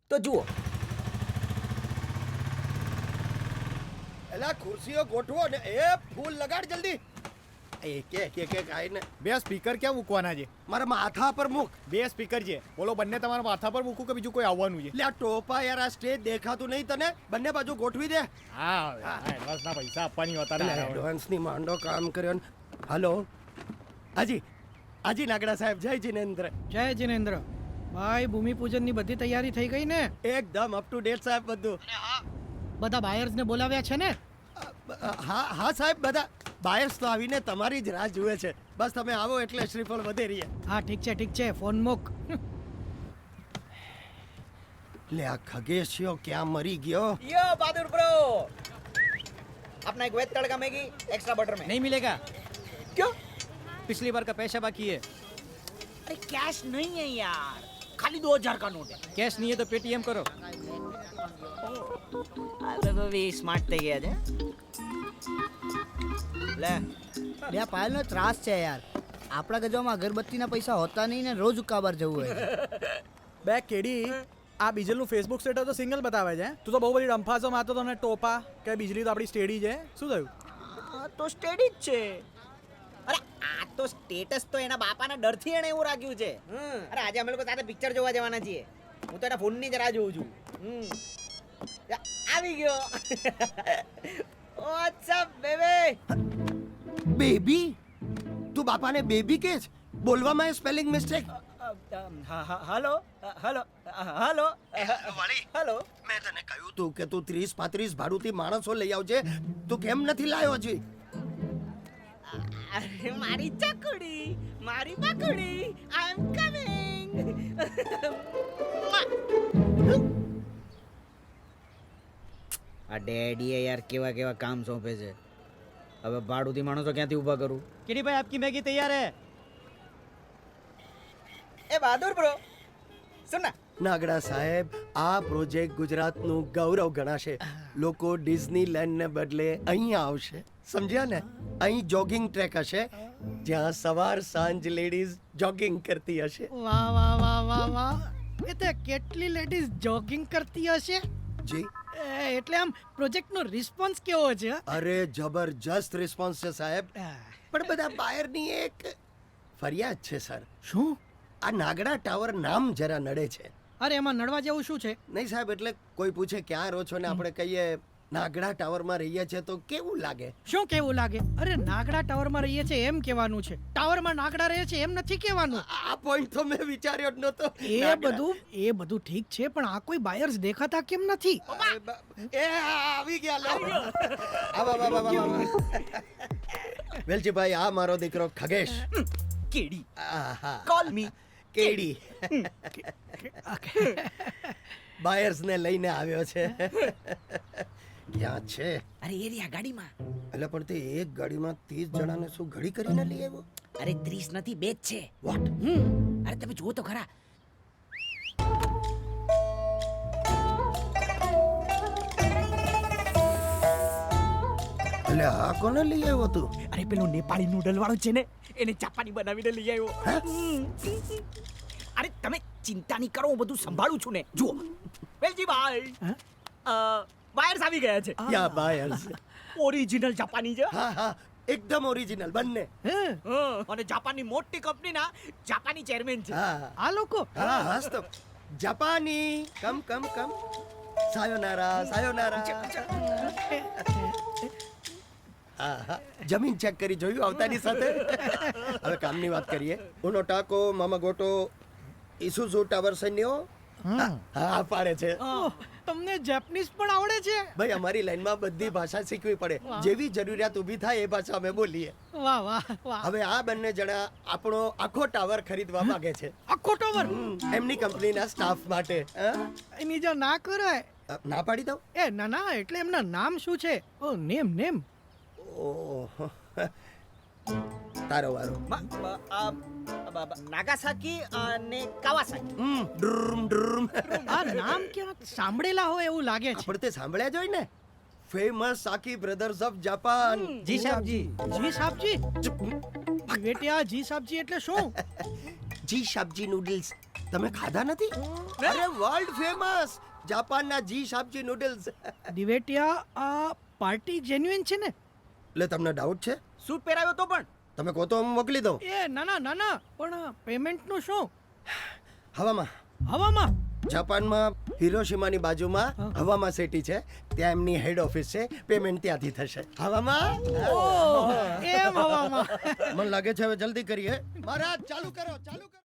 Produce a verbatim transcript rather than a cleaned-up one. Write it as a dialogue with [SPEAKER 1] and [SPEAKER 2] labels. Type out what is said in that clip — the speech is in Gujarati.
[SPEAKER 1] તો જુઓ.
[SPEAKER 2] એલા ખુરશીઓ ગોઠવો ને એ ફૂલ લગાડ જલ્દી. એ કે કે કે કાઈને
[SPEAKER 3] બે સ્પીકર ક્યાં મૂકવાના છે?
[SPEAKER 2] મારા માથા પર મૂક.
[SPEAKER 3] બે સ્પીકર છે, બોલો બંને તમારા માથા પર મૂકું કે બીજું કોઈ આવવાનું છે?
[SPEAKER 2] લે આ ટોપા યાર, આ સ્ટેજ દેખાતું નહીં તને? બંને બાજુ ગોઠવી દે.
[SPEAKER 3] હા એડવાન્સના પૈસા આપવાની હતા ને.
[SPEAKER 2] એડવાન્સની માંડો કામ કર્યો ને. હલો હાજી હાજી નાગડા સાહેબ, જય જિનેન્દ્ર.
[SPEAKER 4] જય જિનેન્દ્ર ભાઈ, ભૂમિપૂજન ની બધી તૈયારી થઈ ગઈ ને?
[SPEAKER 2] એકદમ અપ ટુ ડેટ સાહેબ બધું.
[SPEAKER 4] બધા બાયર્સ ને બોલાવ્યા છે ને?
[SPEAKER 2] હા હા સાહેબ, બધા બાયર્સ તો આવીને તમારી જ રાહ જુએ છે. બસ તમે આવો એટલે શ્રીફળ વધે રહીએ.
[SPEAKER 4] હા ઠીક છે ઠીક છે, ફોન મૂક.
[SPEAKER 2] લે આ ખગેશિયો ક્યાં મરી ગયો?
[SPEAKER 1] यो बहादुर ब्रो, अपना एक veg tadka Maggi extra butter में.
[SPEAKER 5] नहीं मिलेगा,
[SPEAKER 1] क्यों?
[SPEAKER 5] पिछली बार का पैसा बाकी है.
[SPEAKER 1] अरे कैश नहीं है यार, खाली दो हजार का नोट है.
[SPEAKER 5] कैश नहीं है तो पेटीएम करो.
[SPEAKER 1] अरे तो भी स्मार्ट થઈ ગયા છે. લે
[SPEAKER 6] બે પાયલનો ત્રાસ છે યાર. આપણા ગજવામાં અગરબત્તીના પૈસા હોતા નહીં ને રોજ ઉકાબાર જવું હોય.
[SPEAKER 7] બે કેડી આ બીજલનું ફેસબુક સ્ટેટસ તો સિંગલ બતાવે છે. તું તો બહુ બધી ડંફાસો મારતો તો ને ટોપા કે બીજલી તો આપણી સ્ટેડી છે. શું થયું?
[SPEAKER 1] આ તો સ્ટેડી જ છે. અરે આ તો સ્ટેટસ તો એના બાપાના ડરથી એને એવું રાખ્યું છે. અરે આજે અમે લોકો સાથે પિક્ચર જોવા જવાના છીએ. હું તો એના ફોનની જ રાહ જોઉં છું. હમ. આવી ગયો. What's up baby?
[SPEAKER 2] બેબી? તું બાપાને બેબી કે છે? બોલવામાં spelling mistake.
[SPEAKER 1] Hello hello hello hello.
[SPEAKER 2] મેં તને કહ્યું તું કે તું ત્રીસ પાંત્રીસ ભાડુથી માણસો લઈ આવજે. તું કેમ નથી લાવ્યો હજી?
[SPEAKER 1] અરે મારી ચકુડી, મારી પકુડી, આઈ એમ કમિંગ. આ ડેડીએ યાર કેવા કેવા કામ સોંપે છે. હવે ભાડુથી માણસો ક્યાંથી ઊભા કરું?
[SPEAKER 5] किरी भाई आपकी मैगी तैयार है.
[SPEAKER 1] એ બહાદુર બ્રો સુન ના.
[SPEAKER 2] નાગડા સાહેબ, આ પ્રોજેક્ટ ગુજરાતનું ગૌરવ ગણાશે. લોકો ડિઝનીલેન્ડને બદલે અહીંયા આવશે, સમજ્યા ને? અહીં જોગિંગ ટ્રેક હશે જ્યાં સવાર સાંજ લેડીઝ જોગિંગ કરતી હશે.
[SPEAKER 4] વાહ વાહ વાહ વાહ વાહ. એ તે કેટલી લેડીઝ જોગિંગ કરતી હશે?
[SPEAKER 2] જી
[SPEAKER 4] એ, એટલે આમ પ્રોજેક્ટનો રિસ્પોન્સ કેવો છે?
[SPEAKER 2] અરે જબરજસ્ત રિસ્પોન્સ છે સાહેબ. પણ બધા બાયરની એક ફરિયાદ છે સર.
[SPEAKER 4] શું?
[SPEAKER 2] આ નાગડા ટાવર નામ જરા નડે છે.
[SPEAKER 4] અરે એમાં નડવા જેવું શું છે?
[SPEAKER 2] નહીં સાહેબ, એટલે કોઈ પૂછે ક્યાં રહો છો ને આપણે કહીએ નાગડા ટાવરમાં રહીએ છીએ તો કેવું લાગે?
[SPEAKER 4] શું કેવું લાગે? અરે નાગડા ટાવરમાં રહીએ છે એમ કહેવાનું છે. ટાવરમાં નાગડા રહે છે એમ નથી કહેવાનું.
[SPEAKER 2] આ પોઈન્ટ તો મેં વિચાર્યો જ નહોતો.
[SPEAKER 4] એ બધું એ બધું ઠીક છે, પણ આ કોઈ બાયર્સ દેખાતા કેમ નથી?
[SPEAKER 2] એ આવી ગયા લો. આવા આવા આવા. વેલજીભાઈ, આ મારો દીકરો ખગેશ.
[SPEAKER 1] કેડી
[SPEAKER 2] આહા.
[SPEAKER 1] કોલ મી
[SPEAKER 2] કેડી. બાયર્સ ને લઈને આવ્યો છે. ક્યાં છે?
[SPEAKER 1] અરે એ રહ્યા ગાડીમાં.
[SPEAKER 2] એટલે પણ તે એક ગાડીમાં ત્રીસ જણાને શું ઘડી કરીને લઈ આવ્યો?
[SPEAKER 1] અરે ત્રીસ નથી, બે જ છે.
[SPEAKER 2] વોટ?
[SPEAKER 1] હમ. અરે તમે જુઓ તો ખરા.
[SPEAKER 2] એટલે આ કોને લઈ આવ્યો તું?
[SPEAKER 1] અરે પેલો નેપાળી નૂડલ વાળો છે ને, એને ચાપાની બનાવીને લઈ આવ્યો. અરે તમે ચિંતા નહીં કરો, હું બધું સંભાળું છું ને. જુઓ વેલજીભાઈ, બાયર્સ આવી ગયા છે.
[SPEAKER 2] યા બાયર્સ.
[SPEAKER 1] ઓરિજિનલ જાપાની છે.
[SPEAKER 2] હા હા, એકદમ ઓરિજિનલ બંને.
[SPEAKER 1] અને જાપાનની મોટી કંપનીના જાપાની ચેરમેન છે.
[SPEAKER 2] હા
[SPEAKER 4] આ લોકો
[SPEAKER 2] હા હાસ તો જાપાની. કમ કમ કમ. સાયોનારા સાયોનારા. હા હા, જમીન ચેક કરી જોયું આવતાની સાથે. હવે કામની વાત કરીએ. ઉનો ટાકો મામા ગોટો ઇસુઝુ ટાવર સૈન્યો. હા પાડે છે.
[SPEAKER 4] ઓહ, તમને જેપનીઝ પણ આવડે છે?
[SPEAKER 2] ભાઈ અમારી લાઈનમાં બધી ભાષા શીખવી પડે. જેવી જરૂરિયાત ઊભી થાય એ ભાષા અમે બોલીએ.
[SPEAKER 4] વાહ વાહ વાહ.
[SPEAKER 2] હવે આ બંને જણા આપણો આખો ટાવર ખરીદવા માંગે છે.
[SPEAKER 4] આખો ટાવર?
[SPEAKER 2] એમની કંપનીના સ્ટાફ માટે. હા?
[SPEAKER 4] એની જો ના કરાય.
[SPEAKER 2] ના પાડી દઉં?
[SPEAKER 4] એ ના ના, એટલે એમના નામ શું છે? Oh name name.
[SPEAKER 2] ઓહો, તારો વારો.
[SPEAKER 1] નાગાસાકી અને કાવાસાકી.
[SPEAKER 2] હમ, ડ્રુમ ડ્રુમ.
[SPEAKER 4] આ નામ ક્યાં સાંભળેલા હોય એવું લાગે છે.
[SPEAKER 2] આપણે તે સાંભળ્યા જ હોય ને. Famous Saki brothers of Japan.
[SPEAKER 5] जी साहब जी.
[SPEAKER 4] જી સાબજી? બેટિયા જી સાબજી એટલે શું?
[SPEAKER 2] જી શાબજી નૂડલ્સ. તમે ખાધા નથી અરે વર્લ્ડ ફેમસ જાપાનના જી શાબજી નૂડલ્સ
[SPEAKER 4] દિવેટિયા આ પાર્ટી જેન્યુઇન છે ને?
[SPEAKER 2] એટલે તમને ડાઉટ છે
[SPEAKER 1] સૂટ પહેરાવ્યો તો પણ
[SPEAKER 2] તમે કહો તો હું મોકલી દઉં
[SPEAKER 4] એ ના ના ના ના પણ પેમેન્ટનું શું?
[SPEAKER 2] હવામાં
[SPEAKER 4] હવામાં?
[SPEAKER 2] જાપાનમાં હિરોશિમાની બાજુમાં હવામાં સિટી છે ત્યાં એમની હેડ ઓફિસ છે પેમેન્ટ ત્યાંથી થશે હવામાં
[SPEAKER 4] ઓહ, એમ હવામાં.
[SPEAKER 2] મને લાગે છે હવે જલ્દી કરીએ મહારાજ ચાલુ કરો ચાલુ કરો